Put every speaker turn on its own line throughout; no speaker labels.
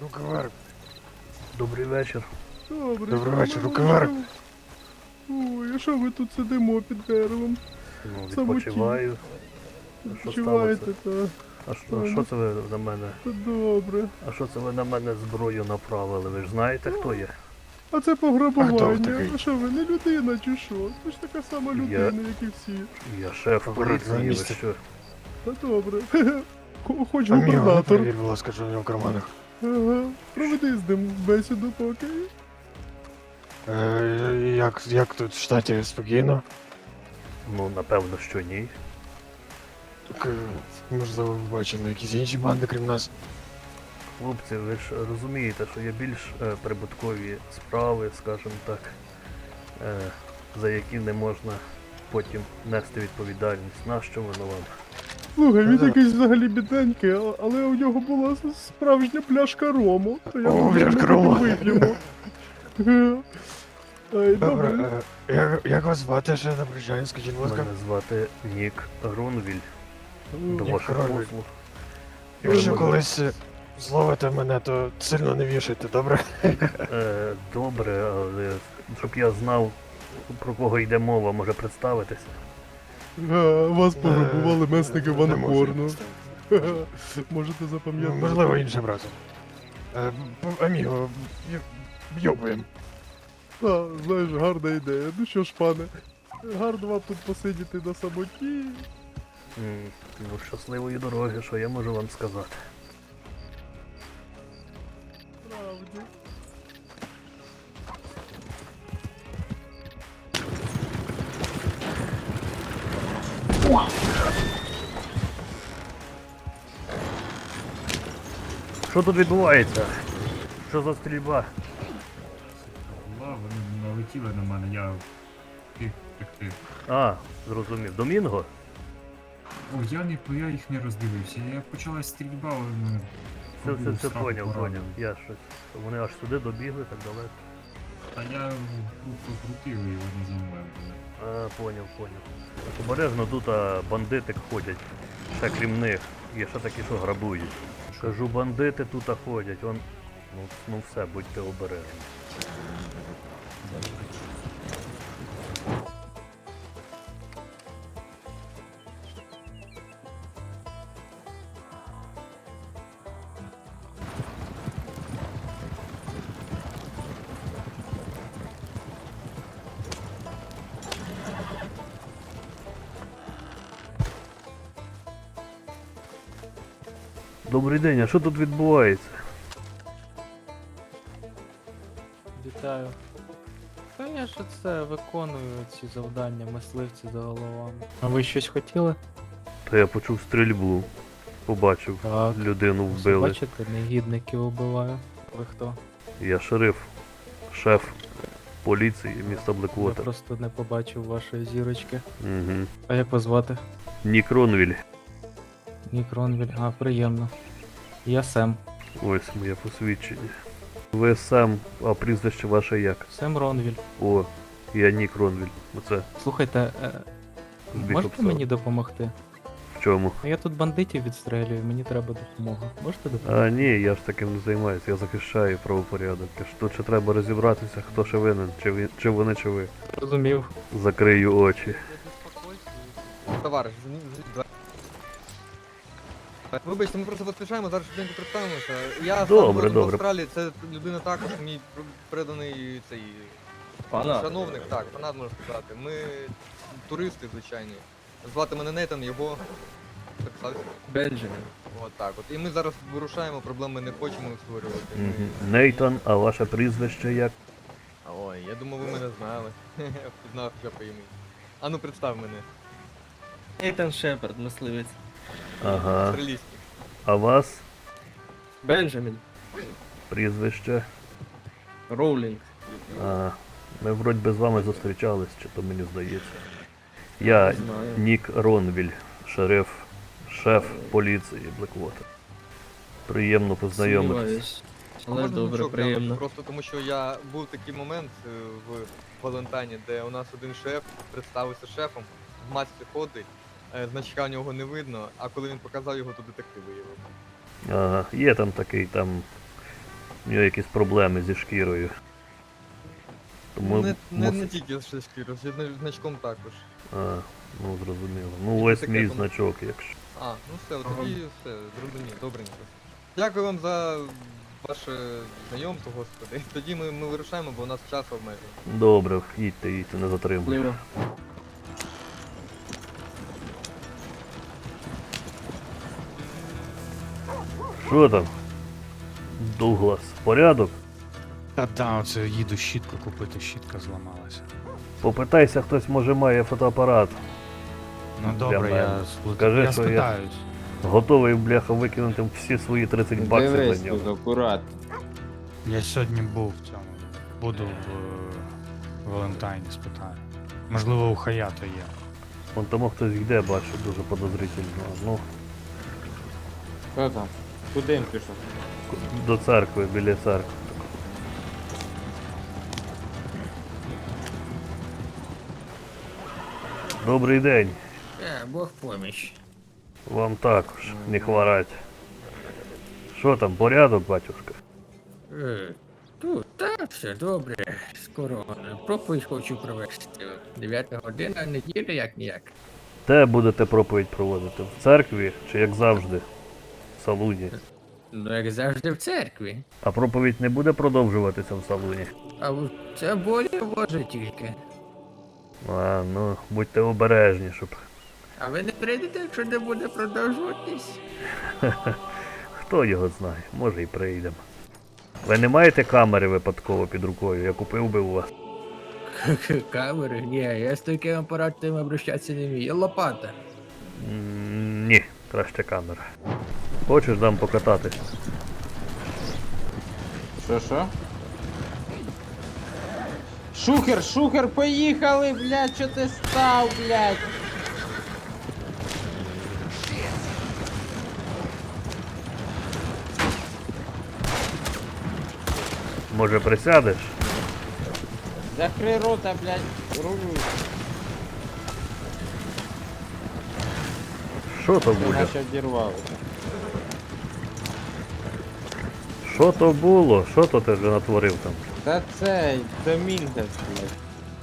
Руки вверх.
Добрий вечір.
Добрий вечір, руки вверх.
Ой, а що ви тут сидимо під деревом?
Ну,
Самоті.
відпочиваю. Що
Відпочиваєте,
сталося?
та?
А що це ви на мене?
Та добре.
А що це ви на мене зброю направили? Ви ж знаєте, хто я?
А це
А хто ви
пограбування.
такий?
А що ви, не людина чи що? Ви ж така сама людина, як і всі.
Я шеф
Аккуратно,
поліції, ви
місце.
що?
Та добре. Хоч
Аміго, не
губернатор.
перевір, будь ласка, що в нього в карманах.
Ага. Проведи з ним бесіду поки.
Як тут в штаті спокійно?
Ну, напевно, що ні.
Так, можливо, ви бачили якісь інші банди, крім нас.
Хлопці, ви ж розумієте, що є більш прибуткові справи, скажімо так, за які не можна потім нести відповідальність. Нащо воно вам?
Слухай, він
Да.
якийсь взагалі бідненький, але у нього була справжня пляшка рому. То я
О,
думаю,
пляшка
ми
рому.
вип'ємо. Ай,
Добре,
добре.
як вас звати ще на прощання, скажіть, будь ласка?
Мене звати Нік Ронвіль. До
Нік
ваших
Ронвіль.
послуг.
Якщо
Ви
колись зловите мене, то сильно не вішайте, добре?
Добре, але щоб я знав, про кого йде мова, може представитися.
Вас пограбували месники
Не можу
Ванхорну.
представити.
Можете запам'ятати.
Можливо, іншим разом. Аміго, йобуємо.
А, знаєш, гарна ідея. Ну що ж, пане, гарно вам тут посидіти на самоті.
Ну, щасливої дороги, що я можу вам сказати.
Правді.
Що тут відбувається? Що за стрільба?
Вони налетіли на мене, я встиг втекти.
А, зрозумів. Домінго?
О, я їх не роздивився. Я почалась стрільба, але мене
Це
страху
поняв,
поранило.
поняв. Я щось. Вони аж сюди добігли так далеко.
Та я крутив і вони за мною були.
А, поняв. Обережно тут бандити ходять. Ще крім них. Є ще такі, що грабують. Кажу, бандити тут ходять. Ну все, будьте обережні. Добрий день, а що тут відбувається?
Вітаю. Та я ж це виконую ці завдання, мисливці за головами. А ви щось хотіли?
Та я почув стрільбу. Побачив.
Так.
Людину вбили.
Бачите, негідників убиваю. Ви хто?
Я шериф, шеф поліції міста
Я
Блеквотер.
просто не побачив вашої зірочки.
Угу.
А як вас звати?
Нік Ронвіль.
Нік Ронвіль. А, приємно. Я Сем.
Ось моє посвідчення. Ви сам, а прізвище ваше як?
Сем Ронвіль.
О, я Нік Ронвіль. Оце
Слухайте,
збіг
можете
обставин.
мені допомогти?
В чому?
Я тут бандитів відстрелюю, мені треба допомога. Можете допомогти?
А ні, я ж таким не займаюся, я захищаю правопорядок. Тут ще треба розібратися, хто ще винен, чи вони, чи ви.
Розумів.
Закрию очі.
Товариш, вибачте, ми просто поспішаємо, зараз швиденько представимося. Я сам
Добре,
родом з
добре.
Австралії, це людина також, мій преданий цей шановник, так, фанат можна сказати. Ми туристи, звичайні. Звати мене Нейтан, його представився.
Бенджамін.
От так от. І ми зараз вирушаємо, проблеми не хочемо створювати.
Мгм. Нейтан, а ваше прізвище як?
Ой, я думав, ви мене знали. Впізнав я по імені. Ану, представ мене.
Нейтан Шепард, мисливець.
Ага.
Австралійський.
А вас
Бенджамін.
прізвище?
Роулінг.
А, ми вроді би з вами зустрічались, чи то мені здається. Я
Знаю.
Нік Ронвіль, шеф поліції Блеквотер. Приємно познайомитись.
Сумніваюсь.
А
Але
можна
добре,
звучок
приємно.
глянути? Просто тому що я був такий момент в Валентайні, де у нас один шеф представився шефом, в масці ходить, значка у нього не видно, а коли він показав його, то детектив виявив.
Ага, є там такий там У нього якісь проблеми зі шкірою. Тому
Не тільки з шкірою, з значком також.
А, ну зрозуміло. Ну ось
таке
мій
там?
значок, якщо.
А, ну все, от тоді все, зрозумів, добренько. Дякую вам за ваше знайомство, господи. Тоді ми вирушаємо, бо у нас час обмежений.
Добре, їдьте, не затримуйте.
Пливо.
Що там? Дуглас, порядок?
Та да, оце їду щітку купити, щітка зламалася.
Попитайся, хтось може має фотоапарат.
Ну добре,
мене.
я
Скажи,
я
що я-
спитаюсь.
Готовий, бляха, викинути всі свої 30 баксів
Дивись
за нього.
тут акурат.
Я сьогодні був в цьому. Буду в Валентайні, спитаю. Можливо, у Хаято є.
Вон тому хтось йде, бачу, дуже подозрительно. Ну,
Хто там? Куди він пішов?
до церкви, біля церкви. Добрий день.
Бог поміч.
Вам також не хворать. Що там, порядок, батюшка?
Тут, так, все добре. Скоро проповідь хочу провести. 9 година неділя, як ніяк.
Де будете проповідь проводити? В церкві чи як завжди? В салуні?
Ну, як завжди в церкві.
А проповідь не буде продовжуватися в салуні?
А це болі може тільки.
А, ну, будьте обережні, щоб.
А ви не прийдете, якщо не буде продовжуватись?
Хто його знає, може і прийдемо. Ви не маєте камери випадково під рукою, я купив би у вас.
Камери? Ні, я з таким апаратом обращатися не вмію. Лопата.
Ні, краще камера. Хочеш дам покататись?
Що? Шухер, поїхали, блядь, що ти став, блядь?
Може присядеш?
Закрий рота, блядь, рулю.
Що то
Ти
буде?
наче обірвалося.
Що то було? Що то ти вже натворив там?
Та це Домінгес, блядь.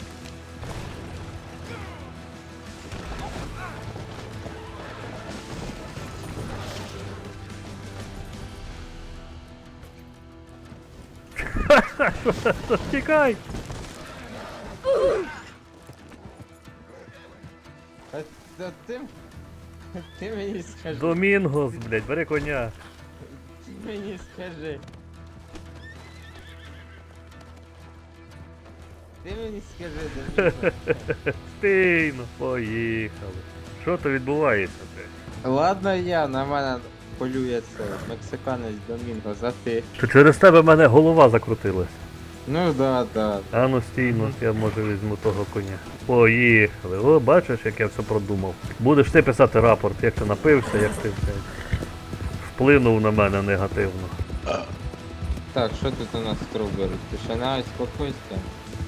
Тікай!
Та ти мені скажи.
Домінгос, блядь, бери коня.
Ти мені скажи. Ти мені скажи, Домінгес.
Стійно, поїхали. Що то відбувається, блядь?
Ладно я, на мене полює це мексиканець Домінгос, а ти?
То через тебе мене голова закрутилась.
Ну да.
А ну стійно, я може візьму того коня. Поїхали. О, бачиш, як я все продумав. Будеш ти писати рапорт, як ти напився, як ти блядь, вплинув на мене негативно.
Так, що тут у нас Стробер? Тишина і спокійствие.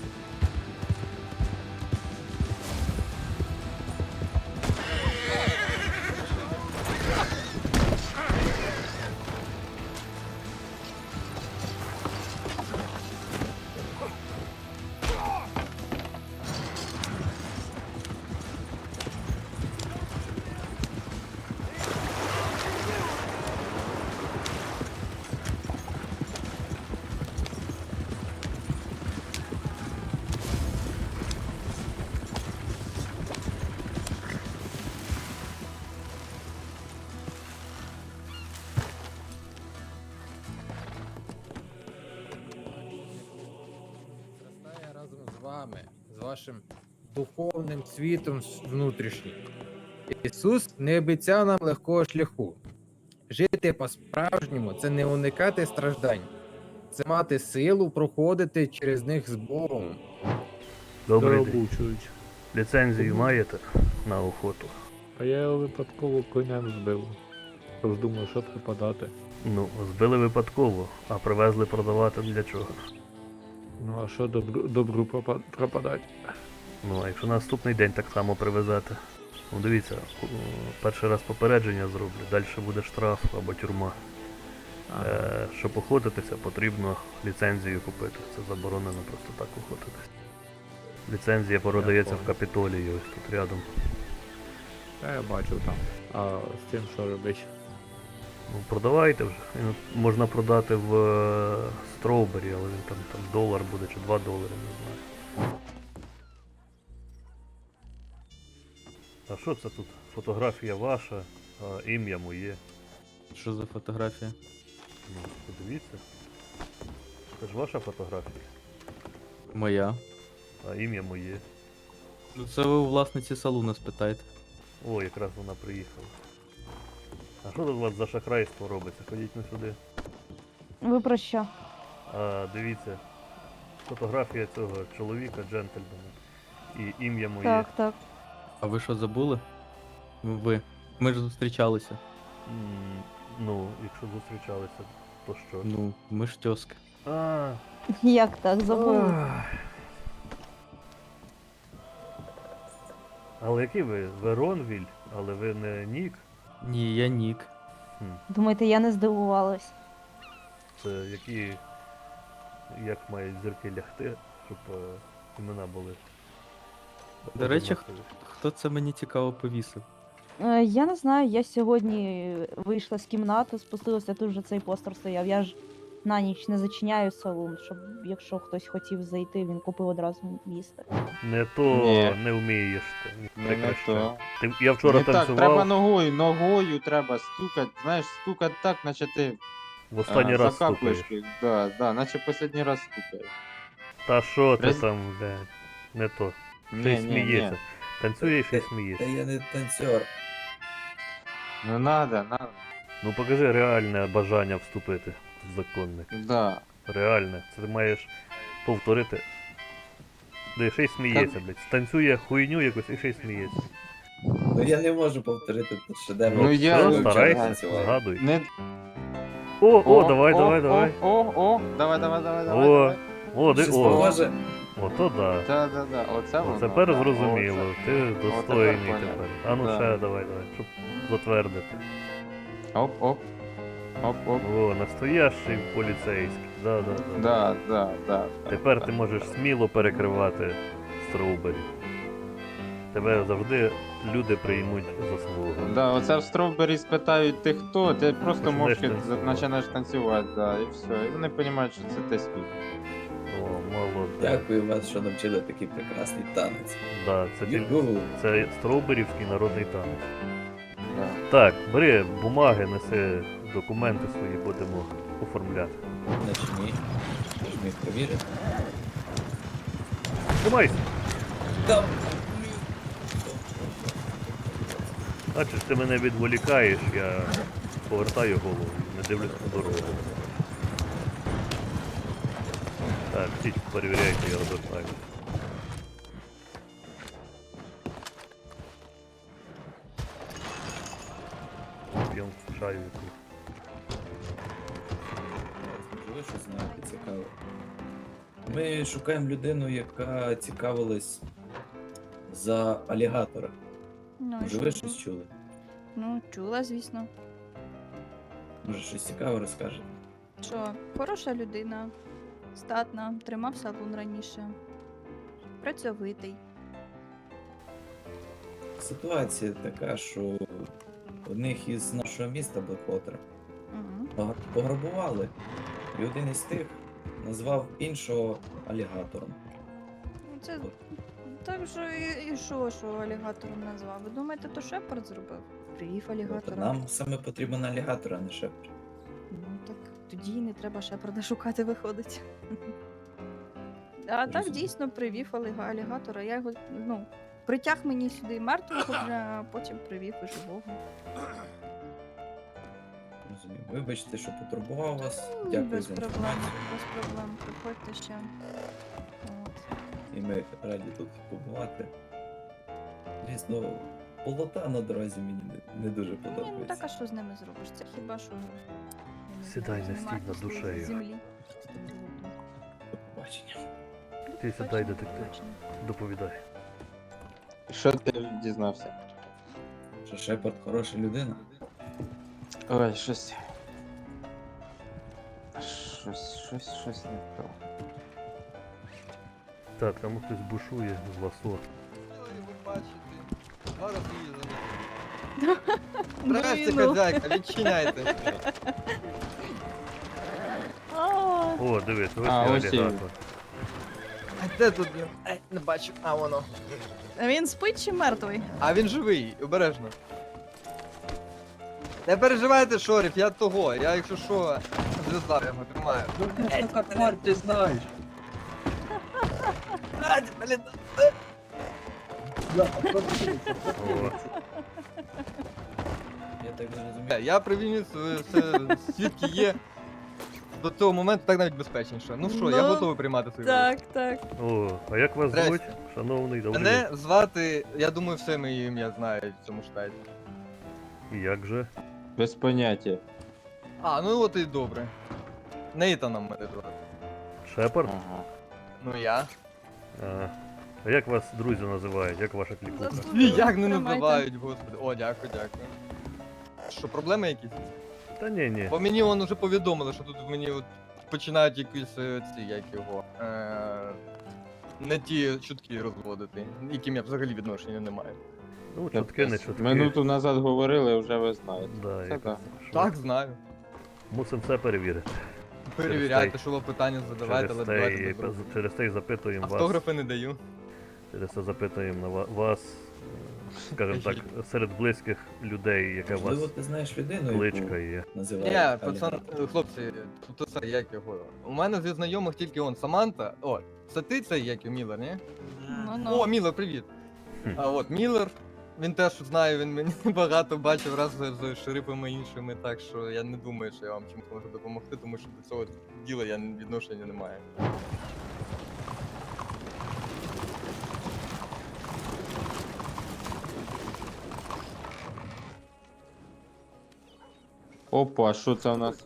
Зростає разом з вами, з вашим духовним світом внутрішнім. Ісус не обіцяв нам легкого шляху. Жити по-справжньому це не уникати страждань, це мати силу проходити через них з Богом.
Добрий день. Ліцензію маєте на охоту?
А я його випадково коням збив. Тож думаю, що припадати.
Ну, збили випадково, а привезли продавати для чого?
Ну а що добру пропадать?
Ну, а якщо наступний день так само привезете? Ну дивіться, перший раз попередження зроблю, далі буде штраф або тюрма. Щоб охотитися, потрібно ліцензію купити. Це заборонено просто так охотитися. Ліцензія продається в Капітолії, ось тут рядом.
Я бачив там. А з цим що робиш?
Ну, продавайте вже. Він можна продати в Строубері, але він там $1 буде чи $2, не знаю. А що це тут? Фотографія ваша, а ім'я моє.
Що за фотографія?
Ну, подивіться. Це ж ваша фотографія,
Моя.
а ім'я моє.
Ну це ви у власниці салуну спитайте.
О, якраз вона приїхала. А що тут у вас за шахрайство робиться? Ходіть не сюди.
Ви про що?
Дивіться, фотографія цього чоловіка, джентльмена. І ім'я моє.
Так, так.
А ви що забули? Ви. Ми ж зустрічалися.
Ну, якщо зустрічалися, то що?
Ну, ми ж тьоски.
А,
Як так, забули?
але який ви? Веронвіль, але ви не Нік?
Ні, я Нік.
Думаєте, я не здивувалась?
Це які. Як мають зірки лягти, щоб імена були.
До речі,
однакові?
хто це мені цікаво повісив?
Я не знаю, я сьогодні вийшла з кімнати, спустилася, тут же цей постер стояв. Я ж на ніч не зачиняю салон, щоб якщо хтось хотів зайти, він купив одразу їсти.
Не то
Ні.
не вмієш ти.
Не
Прекращай.
то.
Я вчора
Не так,
танцював,
треба ногою треба стукати, знаєш, стукати так, наче ти
в останній раз
закапуєш.
стукаєш.
Да, наче останній раз стукаєш.
Та що ти
Раз-
там, блядь, не то.
Ні,
Ти
ні,
сміється.
ні.
Танцюєш і смієшся.
я не танцор.
Ну надо.
Ну покажи реальне бажання вступити в законник.
Да.
Реальне. Це ти маєш повторити. Де ще й сміється, блядь. Станцює хуйню якусь і ще й сміється.
Ну я не можу повторити тут шедевр.
Ну, я-
Все, старайся, згадуй.
Не...
О, давай.
Давай. Давай.
О,
Щось похоже.
Ото да.
Да. Оце воно.
Тепер
да.
зрозуміло,
Оце.
ти достойний
поняв.
тепер. А ну
Да.
ще давай, щоб затвердити.
Оп.
О, настоящий поліцейський. Да.
Да.
Тепер ти можеш сміло перекривати Строубері. Тебе завжди люди приймуть заслугу.
Да, оце в Стровбері спитають ти хто, ти просто
Починаєш
мовчки
танцювати.
починаєш танцювати, да, і все. І вони розуміють, що це ти спів.
О, молодець.
Дякую вас, що навчили такий прекрасний танець.
Да,
Югу.
це Строуберівський народний танець.
Да.
Так, бери бумаги, неси документи свої, будемо оформляти.
Начни. Що ж міг повірити?
Тримайся!
Там.
Бачиш, ти мене відволікаєш, я повертаю голову, не дивлюсь на дорогу. Так, всі перевіряйте, я розвертаю. П'ємо чаю якусь.
Можливо, щось знаєте цікаве. Ми шукаємо людину, яка цікавилась за алігатора.
Ну,
Може, ви щось чули?
Ну, чула, звісно.
Може, щось цікаве розкажете?
Що, хороша людина, статна, тримав салон раніше. Працьовитий.
Ситуація така, що одних із нашого міста Блеквотера
Угу.
пограбували, і один із тих назвав іншого алігатором.
Це
От.
так же і що алігатором назвав? Ви думаєте, то Шепард зробив? Привів
От,
алігатора.
нам саме потрібен алігатор, а не шепер.
Ну так тоді і не треба Шепарда шукати, виходить. А так
Розумію.
дійсно привів алігатора. Я його, притяг мені сюди мертвого, а потім привів і живого.
Розумію. Вибачте, що потурбував вас.
Ні,
Дякую
без
за
проблем,
інформацію.
без проблем. Приходьте ще. От.
І ми раді тут побувати. Звісно, полота на дорозі мені не дуже
Ні, ну
подобається.
так а що з ними зробиш? Це хіба що я не
Сідай
знаю,
на стіль
знімати
над
з
душею.
землі. З тим золотом.
До побачення.
Ти сідай,
Бачення,
детектив.
бачення.
Доповідай.
Що ти дізнався?
Що Шепард хороша людина?
Ой, щось. Щось не то.
Так, там хтось бушує з ласо.
Ви бачите, зараз її занесу. Здрасте, хазяйка, відчиняйте.
О, дивись, ось
А,
і
ось і він.
алігатор.
А де тут він? Не бачу. А воно.
Він спить чи мертвий?
А він живий, обережно. Не переживайте, Шорів, я того. Я якщо що, зв'язав, я його тримаю.
Ти знаєш.
Блін.
О,
Я так зрозумів.
Я привів все, свідки є. До цього моменту так навіть безпечніше. Ну що, я
Ну,
готовий приймати свою роль.
так.
о, а як вас
Здрасте.
звуть, шановний? Добрий
Мене звати, я думаю, все моє ім'я знають в цьому штаті.
день. Як же?
Без поняття.
А, ну от і добре. Нейтаном мене звати.
Шепард?
Ага.
Ну я.
А як вас друзі називають? Як ваша клікуха?
Як не
Тримайте.
називають, господи. О, дякую, дякую. Що, проблеми якісь?
Та ні.
Бо мені вон уже повідомили, що тут мені от починають якісь ці, як його. Не ті чутки розводити, яким я взагалі відношення не маю.
Ну, чутки, не чутки.
Минуту назад говорили, вже ви знаєте.
Да,
Це
як-
так.
що?
Так, знаю.
Мусимо це перевірити.
Перевіряйте,
те-
що ви питання задавайте, але давайте без розмов.
Через те й запитуємо вас.
Автографи не даю.
Через це запитуємо на вас, скажімо так, серед близьких людей, яка у вас
ти знаєш людину,
кличка є.
Ні, пацан, хлопці, тут це як його. У мене зі знайомих тільки он Саманта. О, це ти цей як його, Міллер, ні? О, Міллер, привіт.
Хм.
А от Міллер, він теж знає, він мені багато бачив раз з шерифами іншими, так що я не думаю, що я вам чимось можу допомогти, тому що до цього діла я відношення не маю.
Опа, що це у нас?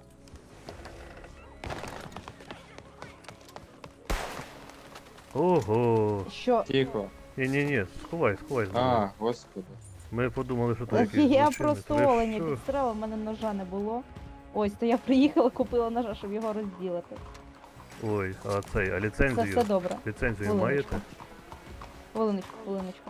Ого!
Що?
Тихо.
Ні, сховай.
А, господи.
Ми подумали, що то якийсь
Я
злочинець.
просто
Ви
оленя
що?
підстрела, в мене ножа не було. Ось, то я приїхала, купила ножа, щоб його розділити.
Ой, а цей, а
Це
ліцензію?
все добре.
Ліцензію
Хвилиночку.
маєте?
Хвилиночку.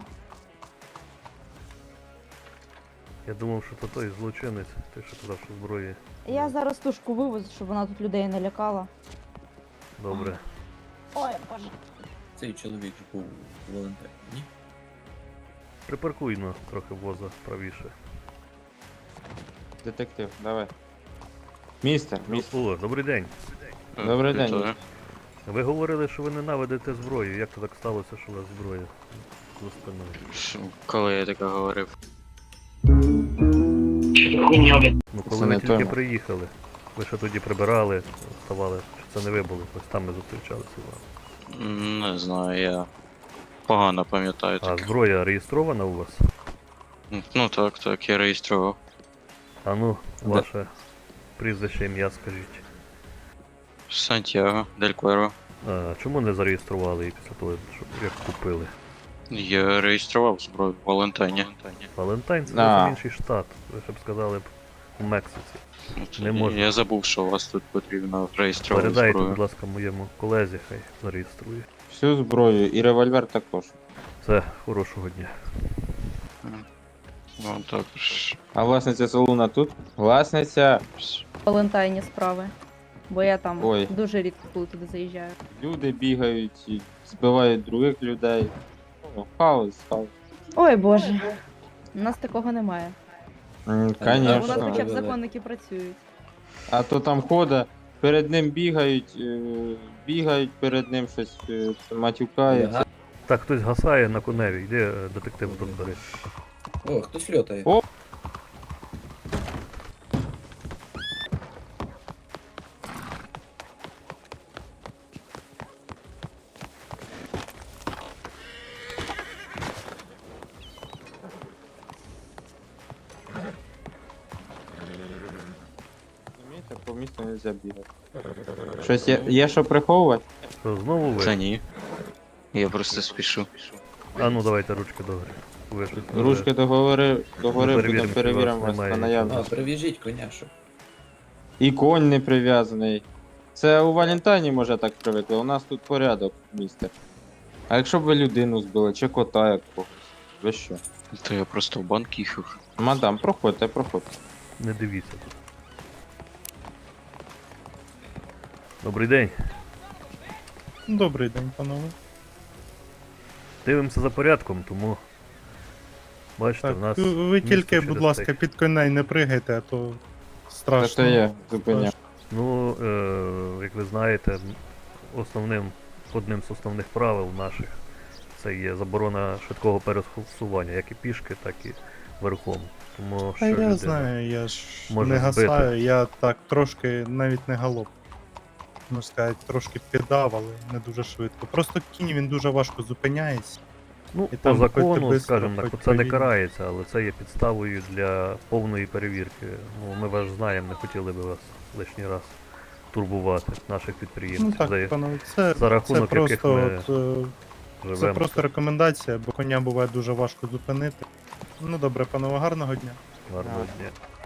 Я думав, що то той злочинець, той, що казав, що зброї.
Я зараз тушку вивезу, щоб вона тут людей не лякала.
Добре.
Ой, боже.
Цей чоловік ж був волонтер, ні?
Припаркуй ну, трохи воза правіше.
Детектив, давай. Містер.
О, добрий день.
Добрий день. містер.
Ви говорили, що ви ненавидите зброю. Як то так сталося, що у вас зброя за спиною?
Коли я таке говорив?
Ну,
Це
коли
не
ви тільки
той.
приїхали, ви ще тоді прибирали, вставали, чи це не ви були, ось там ми зустрічалися з вами.
Не знаю, я погано пам'ятаю
А
таке.
зброя реєстрована у вас?
Ну так, я реєстрував.
А ну, ваше прізвище, ім'я скажіть.
Сантьяго, Дель Куеро.
А чому не зареєстрували її після того, що як купили?
Я реєстрував зброю в Валентайні.
Валентайн це
А.
зовсім інший штат. Ви ще б сказали б у Мексиці. Не можна.
Я забув, що у вас тут потрібно реєструвати
Передайте, будь
зброю.
ласка, моєму колезі, хай зареєструє.
Всю зброю і револьвер також.
Все, хорошого дня.
Ну так ж.
А власниця салуна тут? Власниця.
Валентайні справи. Бо я там
Ой.
дуже рідко коли туди заїжджаю.
Люди бігають і збивають других людей. О, хаос.
Ой боже. У нас такого немає. У нас
Конечно.
хоча б законники працюють.
А то там хода, перед ним бігають перед ним щось матюкаються.
Так, хтось гасає на коневі, йди детектив тут бери.
О, хтось льотає.
О! Розумієте, по місту не можна бігати. Щось є що приховувати?
Що, знову ви?
Та ні. Я просто спішу.
А ну давайте ручки догори. Ви ж
Ручки догори
перевіримо,
будемо
чи
перевіримо
вас
вас на
немає.
наявність.
прив'яжіть коня, щоб.
І конь не прив'язаний. Це у Валентайні, може, так привикли. У нас тут порядок в місті. А якщо б ви людину збили, чи кота якогось? Ви що?
То я просто в банк їхав.
Мадам, проходьте, проходьте.
Не дивіться тут. Добрий день.
Добрий день, панове.
Дивимося за порядком, тому. Бачите,
Так,
в нас.
ви тільки,
місто
будь
через
ласка,
те.
під коней не пригайте, а то
Це
страшно.
я зупиняв.
Ну, як ви знаєте, одним з основних правил наших це є заборона швидкого пересування, як і пішки, так і верхом. Тому що
А я
людина
знаю, я ж
може
не
збити.
гасаю, я так трошки, навіть не галоп. Можна сказати, трошки піддав, але не дуже швидко. Просто кінь він дуже важко зупиняється.
Ну,
І
по
там хоч ти
закону,
бистро,
скажімо так,
хоч
це не
повільно.
карається, але це є підставою для повної перевірки. Ну, ми вас знаємо, не хотіли би вас лишній раз турбувати, наших підприємців.
Ну так,
за,
панове, це,
за рахунок
це
яких
просто,
ми
це
живемо.
просто рекомендація, бо коня буває дуже важко зупинити. Ну добре, панове, гарного дня.
Гарного дня.